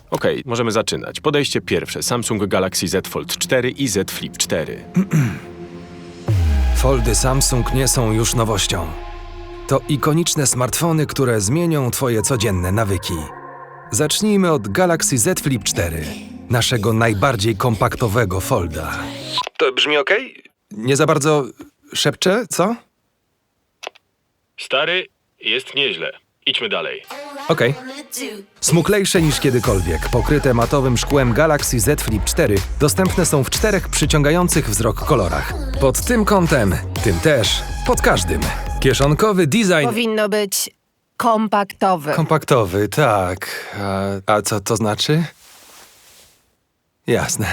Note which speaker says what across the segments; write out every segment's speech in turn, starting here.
Speaker 1: Okej, możemy zaczynać. Podejście pierwsze. Samsung Galaxy Z Fold 4 i Z Flip 4.
Speaker 2: Foldy Samsung nie są już nowością. To ikoniczne smartfony, które zmienią twoje codzienne nawyki. Zacznijmy od Galaxy Z Flip 4, naszego najbardziej kompaktowego folda. To brzmi ok? Nie za bardzo szepczę, co?
Speaker 1: Stary, jest nieźle. Idźmy dalej.
Speaker 2: Okej. Smuklejsze niż kiedykolwiek, pokryte matowym szkłem Galaxy Z Flip 4 dostępne są w 4 przyciągających wzrok kolorach. Pod tym kątem, tym też, pod każdym. Kieszonkowy design...
Speaker 3: Powinno być kompaktowy.
Speaker 2: Kompaktowy, tak. A co to znaczy? Jasne.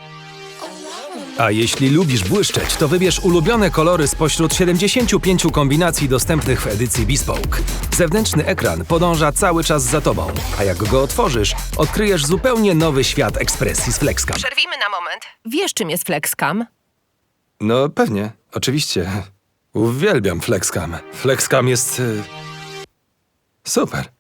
Speaker 2: A jeśli lubisz błyszczeć, to wybierz ulubione kolory spośród 75 kombinacji dostępnych w edycji Bespoke. Zewnętrzny ekran podąża cały czas za tobą, a jak go otworzysz, odkryjesz zupełnie nowy świat ekspresji z FlexCam.
Speaker 3: Przerwijmy na moment. Wiesz, czym jest FlexCam?
Speaker 2: No pewnie, oczywiście. Uwielbiam FlexCam. FlexCam jest... super.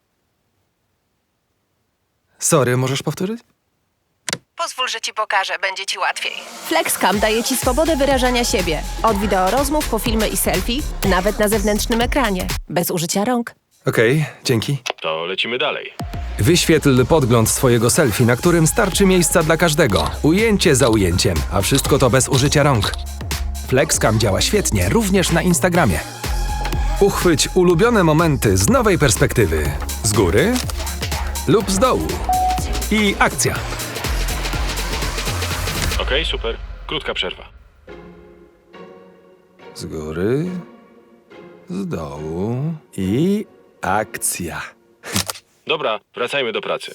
Speaker 2: Sorry, możesz powtórzyć?
Speaker 3: Pozwól, że ci pokażę, będzie ci łatwiej. FlexCam daje ci swobodę wyrażania siebie. Od wideo rozmów po filmy i selfie, nawet na zewnętrznym ekranie. Bez użycia rąk.
Speaker 2: Okej, dzięki.
Speaker 1: To lecimy dalej.
Speaker 2: Wyświetl podgląd swojego selfie, na którym starczy miejsca dla każdego. Ujęcie za ujęciem, a wszystko to bez użycia rąk. FlexCam działa świetnie, również na Instagramie. Uchwyć ulubione momenty z nowej perspektywy. Z góry lub z dołu. I akcja.
Speaker 1: Okej, super. Krótka przerwa.
Speaker 2: Z góry, z dołu i akcja.
Speaker 1: Dobra, wracajmy do pracy.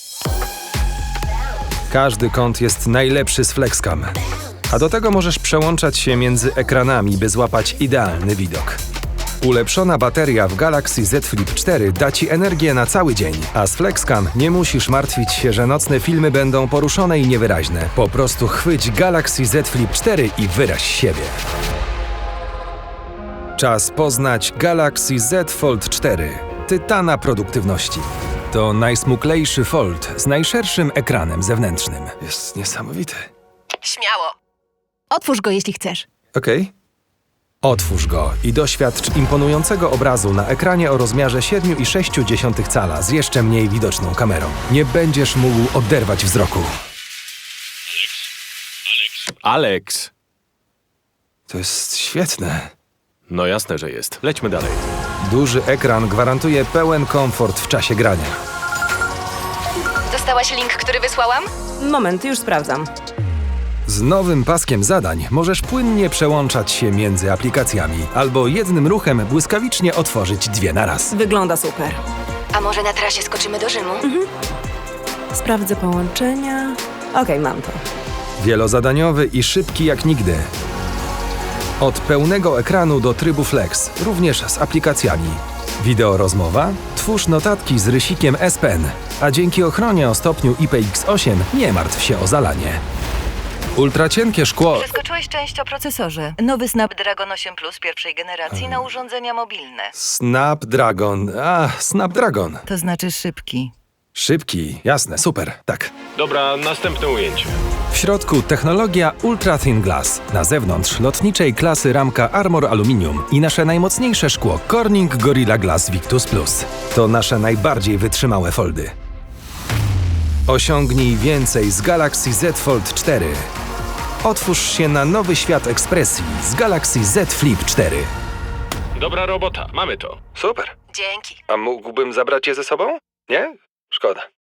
Speaker 2: Każdy kąt jest najlepszy z FlexCam. A do tego możesz przełączać się między ekranami, by złapać idealny widok. Ulepszona bateria w Galaxy Z Flip 4 da ci energię na cały dzień, a z FlexCam nie musisz martwić się, że nocne filmy będą poruszone i niewyraźne. Po prostu chwyć Galaxy Z Flip 4 i wyraź siebie. Czas poznać Galaxy Z Fold 4, tytana produktywności. To najsmuklejszy fold z najszerszym ekranem zewnętrznym. Jest niesamowity.
Speaker 3: Śmiało. Otwórz go, jeśli chcesz.
Speaker 2: Okej. Otwórz go i doświadcz imponującego obrazu na ekranie o rozmiarze 7,6 cala z jeszcze mniej widoczną kamerą. Nie będziesz mógł oderwać wzroku.
Speaker 1: Alex!
Speaker 2: To jest świetne.
Speaker 1: No jasne, że jest. Lećmy dalej.
Speaker 2: Duży ekran gwarantuje pełen komfort w czasie grania.
Speaker 3: Dostałaś link, który wysłałam?
Speaker 4: Moment, już sprawdzam.
Speaker 2: Z nowym paskiem zadań możesz płynnie przełączać się między aplikacjami albo jednym ruchem błyskawicznie otworzyć 2 naraz.
Speaker 4: Wygląda super.
Speaker 3: A może na trasie skoczymy do Rzymu?
Speaker 4: Sprawdzę połączenia. Okej, mam to.
Speaker 2: Wielozadaniowy i szybki jak nigdy. Od pełnego ekranu do trybu Flex, również z aplikacjami. Wideo rozmowa? Twórz notatki z rysikiem S Pen, a dzięki ochronie o stopniu IPX8 nie martw się o zalanie. Ultracienkie szkło...
Speaker 5: Przeskoczyłeś część o procesorze. Nowy Snapdragon 8 Plus pierwszej generacji na urządzenia mobilne.
Speaker 2: Snapdragon.
Speaker 5: To znaczy szybki.
Speaker 2: Szybki, jasne, super, tak.
Speaker 1: Dobra, następne ujęcie.
Speaker 2: W środku technologia Ultra Thin Glass. Na zewnątrz lotniczej klasy ramka Armor Aluminium i nasze najmocniejsze szkło Corning Gorilla Glass Victus Plus. To nasze najbardziej wytrzymałe foldy. Osiągnij więcej z Galaxy Z Fold 4. Otwórz się na nowy świat ekspresji z Galaxy Z Flip 4.
Speaker 1: Dobra robota, mamy to.
Speaker 2: Super.
Speaker 3: Dzięki.
Speaker 2: A mógłbym zabrać je ze sobą? Nie? Szkoda.